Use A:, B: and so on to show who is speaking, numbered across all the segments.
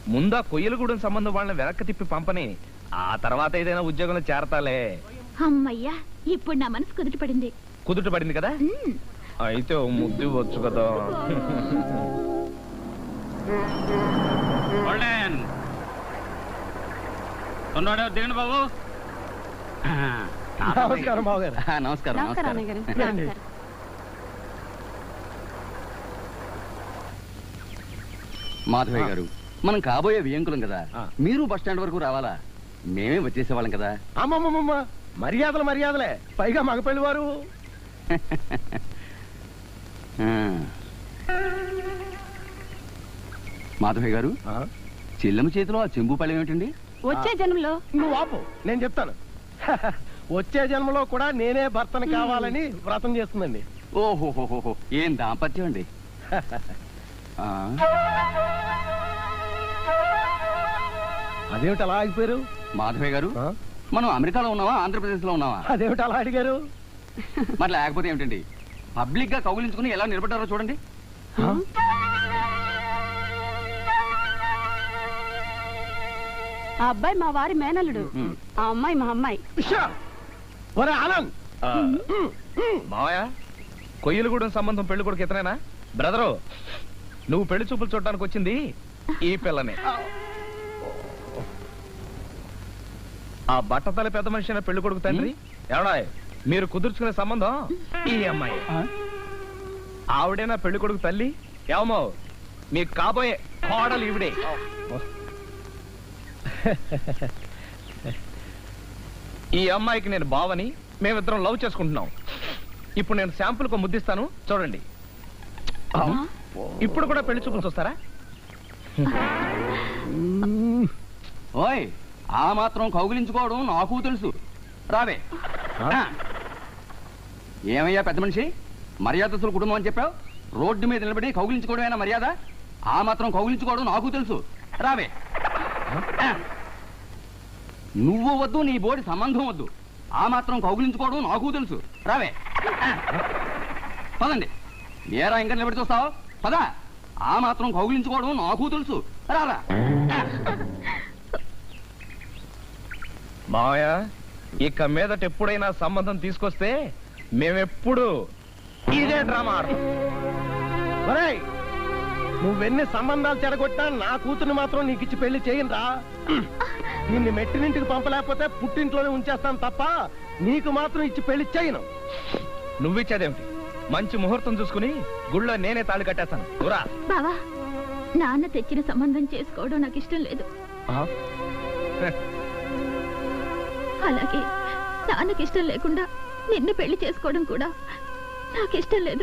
A: ముందా కొయ్యలగూడెం సంబంధం వాళ్ళని వెనక్కి తిప్పి పంపని, ఆ తర్వాత ఏదైనా ఉద్యోగంలో చేరతాలే.
B: అమ్మయ్యా, ఇప్పుడు నా మనసు కుదుటపడింది.
A: కుదుటపడింది కదా? అయితే ముద్దు ఇవ్వచ్చు కదా.
C: దిగండి బాబు.
D: నమస్కారం బాబు గారు.
C: నమస్కారం. మాధవయ్య గారు, మనం కాబోయే వియంకులం కదా, మీరు బస్ స్టాండ్ వరకు రావాలా? మేమే వచ్చేసేవాళ్ళం కదా.
D: అమ్మమ్మమ్మ, మర్యాదలే, పైగా మగపెళ్లి వారు.
C: మాధవయ్య గారు, చెల్లెమ్మ చేతిలో ఆ చెంబు పళ్ళం ఏమిటండి?
B: వచ్చే జన్మలో.
D: నువ్వు ఆపు, నేను చెప్తాను. వచ్చే జన్మలో కూడా నేనే భర్తను కావాలని వ్రతం చేస్తుందండి.
C: ఓహోహోహో, ఏం దాంపత్యం అండి.
D: అదేమిటి అలా ఆగిపోయారు?
C: మాధవయ్య గారు, మనం అమెరికాలో ఉన్నావా, ఆంధ్రప్రదేశ్ లో ఉన్నావా?
D: అదేమిటి అలా అడిగారు?
C: మరి లేకపోతే ఏమిటండి, పబ్లిక్ గా కౌగిలించుకుని ఎలా నిలబడ్డారో చూడండి.
B: ఆ అబ్బాయి మా వారి మేనల్లుడు, ఆ అమ్మాయి మా అమ్మాయి.
D: ఆనంద్,
A: మావయ్య, కొయ్యలగూడెం సంబంధం పెళ్లి కొడుకు ఇతనేనా? బ్రదరు, నువ్వు పెళ్లి చూపులు చూడటానికి వచ్చింది ఈ పిల్లనే. ఆ బట్టతల పెద్ద మనిషి అయిన పెళ్లి కొడుకు తండ్రి ఎవడా? మీరు కుదుర్చుకునే సంబంధం ఈ అమ్మాయి. ఆవిడేనా పెళ్లి కొడుకు తల్లి? ఏమో, మీకు కాబోయే కోడలు ఈవిడే. ఈ అమ్మాయికి నేను బావని, మేమిద్దరం లవ్ చేసుకుంటున్నాం. ఇప్పుడు నేను శాంపుల్ కు ముద్దిస్తాను, చూడండి. ఇప్పుడు కూడా పెళ్లి చూపులు చూస్తారా?
C: ఓయ్, ఆ మాత్రం కౌగిలించుకోవడం నాకు తెలుసు. రావే. ఏమయ్యా పెద్ద మనిషి, మర్యాదస్తుల కుటుంబం అని చెప్పావు, రోడ్డు మీద నిలబడి కౌగిలించుకోవడమేనా మర్యాద? ఆ మాత్రం కౌగిలించుకోవడం నాకు తెలుసు. రావే. నువ్వు వద్దు, నీ బోడి సంబంధం వద్దు, ఆ మాత్రం కౌగిలించుకోవడం నాకు తెలుసు. రావే. పదండి. ఏరా ఇంకా నిలబడి చూస్తావు? పదా. ఆ మాత్రం కౌగిలించుకోవడం నాకు తెలుసు. రారా.
A: మావయ్య, ఇక మీదట ఎప్పుడైనా సంబంధం తీసుకొస్తే మేమెప్పుడు ఇదే డ్రామా ఆడతాం.
D: నువ్వెన్ని సంబంధాలు చెడగొట్టా నా కూతుర్ని మాత్రం నీకు ఇచ్చి పెళ్లి చేయనురా. నిన్ను మెట్టినింటికి పంపలేకపోతే పుట్టింట్లోనే ఉంచేస్తాను తప్ప నీకు మాత్రం ఇచ్చి పెళ్లి చేయను.
A: నువ్విచ్చేదేమిటి? మంచి ముహూర్తం చూసుకుని గుళ్ళో నేనే తాళి కట్టేస్తాను.
B: బావా, నాన్న తెచ్చిన సంబంధం చేసుకోవడం నాకు ఇష్టం లేదు. అలాగే నాన్నకి ఇష్టం లేకుండా నిన్ను పెళ్లి చేసుకోవడం కూడా నాకు ఇష్టం లేదు.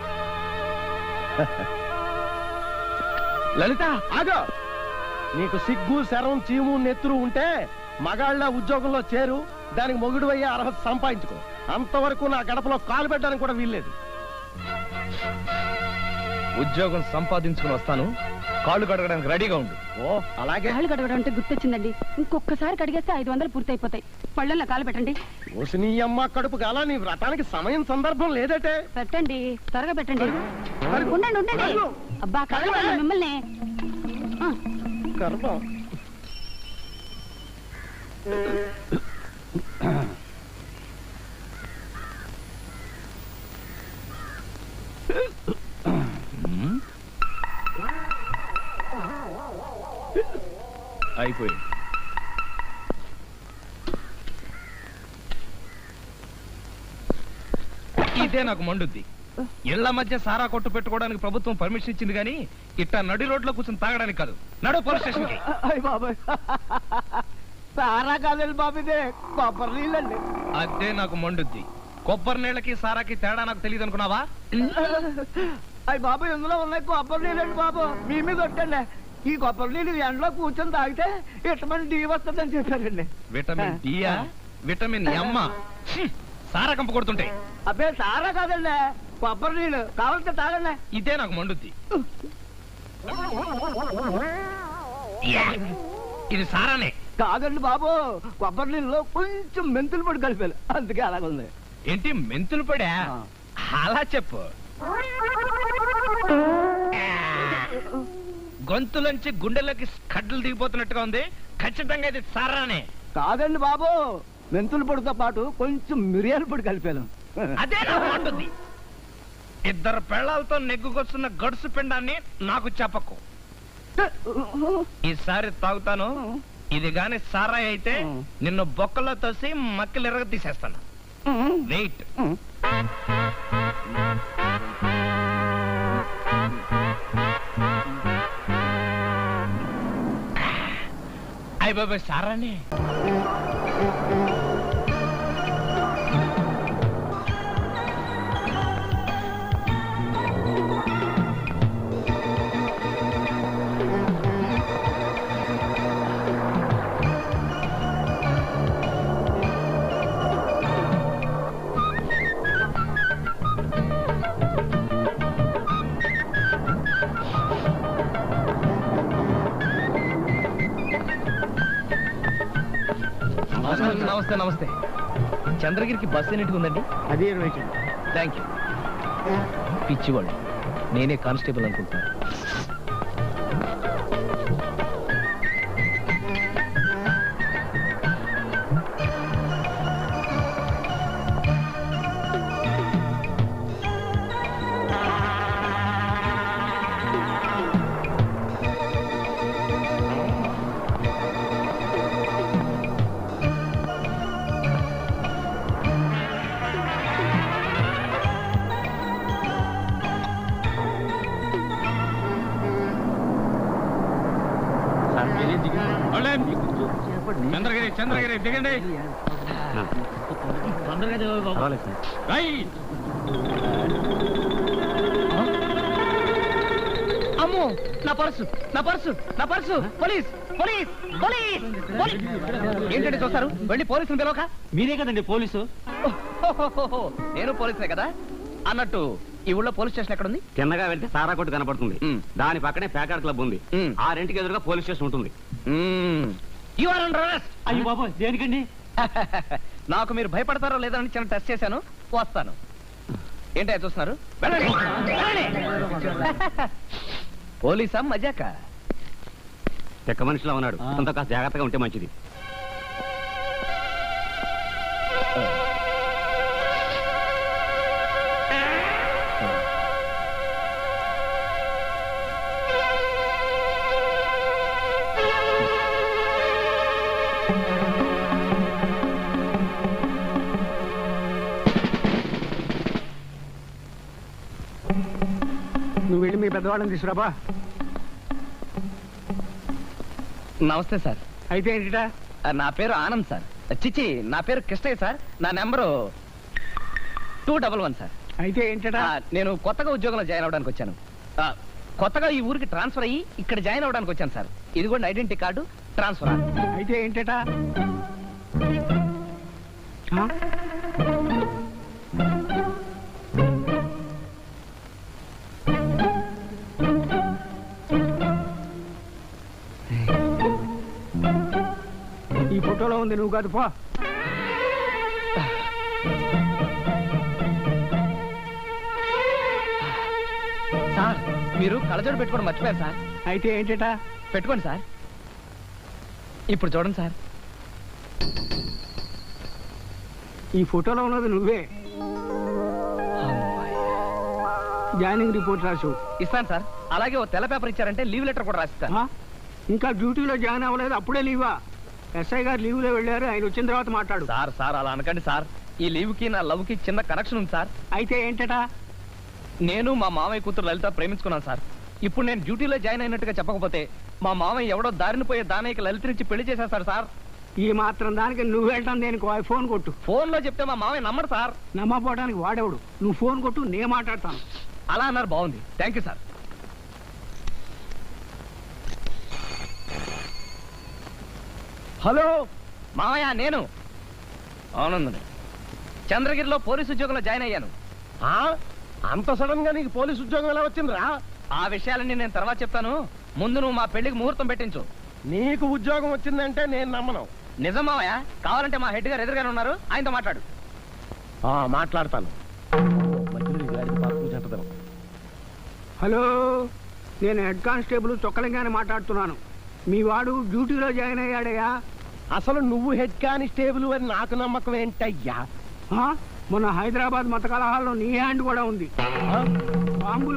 A: లలిత,
D: ఆగో. నీకు సిగ్గు, శరం, చీము, నెత్తురు ఉంటే మగాళ్ళ ఉద్యోగంలో చేరు, దానికి మొగుడు అయ్యే అర్హత సంపాదించుకో. అంతవరకు నా గడపలో కాలు పెట్టడానికి కూడా వీల్లేదు.
A: ఉద్యోగం సంపాదించుకుని వస్తాను, కాళ్ళు కడగడానికి రెడీగా ఉండు.
D: ఓ అలాగే.
B: కాళ్ళు కడగడం అంటే గుర్తొచ్చిందండి, ఇంకొకసారి కడిగేస్తే 500 పూర్తయిపోతాయి. పళ్ళల్లో కాలు పెట్టండి.
D: ఓసి నీ అమ్మ కడుపు కాల, నీ వ్రతానికి సమయం సందర్భం లేదటే.
B: పెట్టండి, త్వరగా పెట్టండి. ఉండండి ఉండండి. అబ్బా, కడగ మిమ్మల్ని.
D: గర్భం.
A: అయిపోయింది. ఇదే నాకు మండుద్ది. ఇళ్ల మధ్య సారా కొట్టు పెట్టుకోవడానికి ప్రభుత్వం పర్మిషన్ ఇచ్చింది కానీ ఇట్టా నడి రోడ్లో కూర్చొని తాగడానికి కాదు. నడు పోలీస్ స్టేషన్ కి.
D: సారా కాదండి బాబు, ఇదే కొబ్బరి నీళ్ళండి.
A: అదే నాకు మండుద్ది. కొబ్బరి నీళ్ళకి సారాకి తేడా నాకు తెలియదు అనుకున్నావా?
D: అయ్యి బాబు, ఇందులో ఉన్నాయి కొబ్బరి నీళ్ళండి బాబు. మీ మీద కొట్టండి. ఈ కొబ్బరి నీళ్ళు ఎండలో కూర్చొని తాగితే విటమిన్ డి వస్తుందని చెప్పారండి.
A: విటమిన్ డియా? విటమిన్ ఎమ్మ? సారా కంప కొడుతుంటే.
D: అబ్బే, సారా కాదండి, కొబ్బరి నీళ్ళు. కావాలంటే తాగండి.
A: ఇదే నాకు మండుద్ది. ఇది సారానే
D: కాదండి బాబు, కొబ్బరి నీళ్ళలో కొంచెం మెంతులు పొడి కలిపారు, అందుకే అలాగుంది.
A: ఏంటి, మెంతులు పడా? అలా చెప్పు. గొంతులోంచి గుండెలోకి కడ్డలు దిగిపోతున్నట్టుగా ఉంది. ఖచ్చితంగా ఇది సారానే.
E: కాదండి బాబు, మెంతుల పొడితో పాటు కొంచెం మిరియాల పొడి కలిపాను.
A: అదే ఉంటుంది. ఇద్దరు పెళ్ళాలతో నెగ్గుకొస్తున్న గడుసు పిండాన్ని నాకు చెప్పకు. ఈసారి తాగుతాను. ఇది గాని సారాయి అయితే నిన్ను బొక్కలో తోసి మక్కలు ఎరగ తీసేస్తాను. వెయిట్. అయ్య బాబాయ్ సారానే. నమస్తే నమస్తే. చంద్రగిరికి బస్సు ఎన్నిటికి ఉందండి?
E: అది 20.
A: Thank you. పిచ్చివాళ్ళు, నేనే కానిస్టేబుల్ అనుకుంటున్నాను. చంద్రగిరి చంద్రగిరి దిగండి. అమ్మో, నా పర్సు నా పర్సు నా purse! Police police police police! ఏంటంటే చూస్తారు? వెళ్ళి పోలీసుని పిలవక.
E: మీరే కదండి పోలీసు.
A: ఓహోహోహో, నేను పోలీసునే కదా. అన్నట్టు ఈ ఊళ్ళో పోలీస్ స్టేషన్ ఎక్కడ ఉంది?
C: చిన్నగా వెళ్తే సారా కొట్టు కనపడుతుంది. దాని పక్కనే ప్యాకాడ్ క్లబ్ ఉంది. ఆ రెంటికి ఎదురుగా పోలీస్ స్టేషన్ ఉంటుంది.
A: You are under arrest.
E: అయ్యో బాబు, దేనికండి?
A: నాకు మీరు భయపడతారో లేదో అని చిన్న టెస్ట్ చేశాను. వస్తాను. ఏంటో చూస్తున్నారు? వెళ్ళండి, వెళ్ళండి. పోలీసా మజాక?
C: చెక్క మనిషిలో ఉన్నాడు. అంత కాస్త జాగ్రత్తగా ఉంటే మంచిది.
E: నువ్వు వెళ్ళి మీ పెద్దవాళ్ళని తీసుకురాబా.
A: నమస్తే సార్.
E: అయితే ఏంటిటా?
A: నా పేరు ఆనంద్ సార్. చిచి, నా పేరు కృష్ణయ్య సార్. నా నెంబరు 211 సార్.
E: అయితే ఏంటటా?
A: నేను కొత్తగా ఉద్యోగంలో జాయిన్ అవడానికి వచ్చాను. కొత్తగా ఈ ఊరికి ట్రాన్స్ఫర్ అయ్యి ఇక్కడ జాయిన్ అవడానికి వచ్చాను సార్. ఇది కూడా ఐడెంటిటీ కార్డు ట్రాన్స్ఫర్.
E: అయితే ఏంటటా? ఈ ఫోటోలో ఉంది, నువ్వు కాదు. పో.
A: సార్, మీరు కళ్ళజోడు పెట్టుకోవడం మర్చిపోయారు సార్.
E: అయితే ఏంటటా?
A: పెట్టుకోండి సార్. ఇప్పుడు చూడండి సార్.
E: ఈ ఫోటోలో ఉన్నది నువ్వే. జాయినింగ్ రిపోర్ట్ రాసు.
A: ఇస్తాను సార్. అలాగే ఓ తెల్ల పేపర్ ఇచ్చారంటే లీవ్ లెటర్ కూడా రాసిస్తాను.
E: ఇంకా డ్యూటీలో జాయిన్ అవ్వలేదు, అప్పుడే లీవా? ఎస్ఐ గారు లీవ్లో వెళ్ళారు, ఆయన వచ్చిన తర్వాత మాట్లాడు.
A: సార్ సార్ అలా అనకండి సార్. ఈ లీవ్ కి నా లవ్ కి చిన్న కనెక్షన్ ఉంది సార్.
E: అయితే ఏంటటా?
A: నేను మా మామయ్య కూతురు లలిత ప్రేమించుకున్నాను సార్. ఇప్పుడు నేను డ్యూటీలో జాయిన్ అయినట్టుగా చెప్పకపోతే మా మామయ్య ఎవడో దారిని పోయే దానయ్యకి లలితనిచ్చి పెళ్లి చేసేస్తాడు సార్.
E: ఈ మాత్రం దానికి నువ్వు వెళ్ళటం దేనికి? ఫోన్ కొట్టు.
A: ఫోన్ లో చెప్తే మా మామయ్య నమ్మడు సార్.
E: నమ్మపోవడానికి వాడేవాడు. నువ్వు ఫోన్ కొట్టు, నేను మాట్లాడతాను.
A: అలా అన్నారు, బాగుంది. Thank you sir.
E: హలో
A: మామయ్య, నేను ఆనందని చంద్రగిరిలో పోలీసు ఉద్యోగంలో జాయిన్ అయ్యాను.
D: అంత సడన్ గా నీకు పోలీసు ఉద్యోగం ఎలా వచ్చిందిరా?
A: ఆ విషయాలన్నీ నేను తర్వాత చెప్తాను. ముందు నువ్వు మా పెళ్లికి ముహూర్తం పెట్టించు.
D: నీకు ఉద్యోగం వచ్చిందంటే నేను నమ్మను.
A: నిజం మామయ్య. కావాలంటే మా హెడ్ గారు ఎదురుగానే ఉన్నారు, ఆయనతో మాట్లాడు.
D: మాట్లాడతాను.
E: హలో నేను హెడ్ కానిస్టేబుల్ చొక్కలింగానే మాట్లాడుతున్నాను. మీ వాడు డ్యూటీలో జాయిన్ అయ్యాడయ్యా.
D: అసలు నువ్వు హెడ్ కానిస్టేబుల్ అని నాకు నమ్మకం ఏంటయ్యా?
E: మొన్న హైదరాబాద్ మత కలహాల్లో నీ హ్యాండ్ కూడా ఉంది. బాంబులు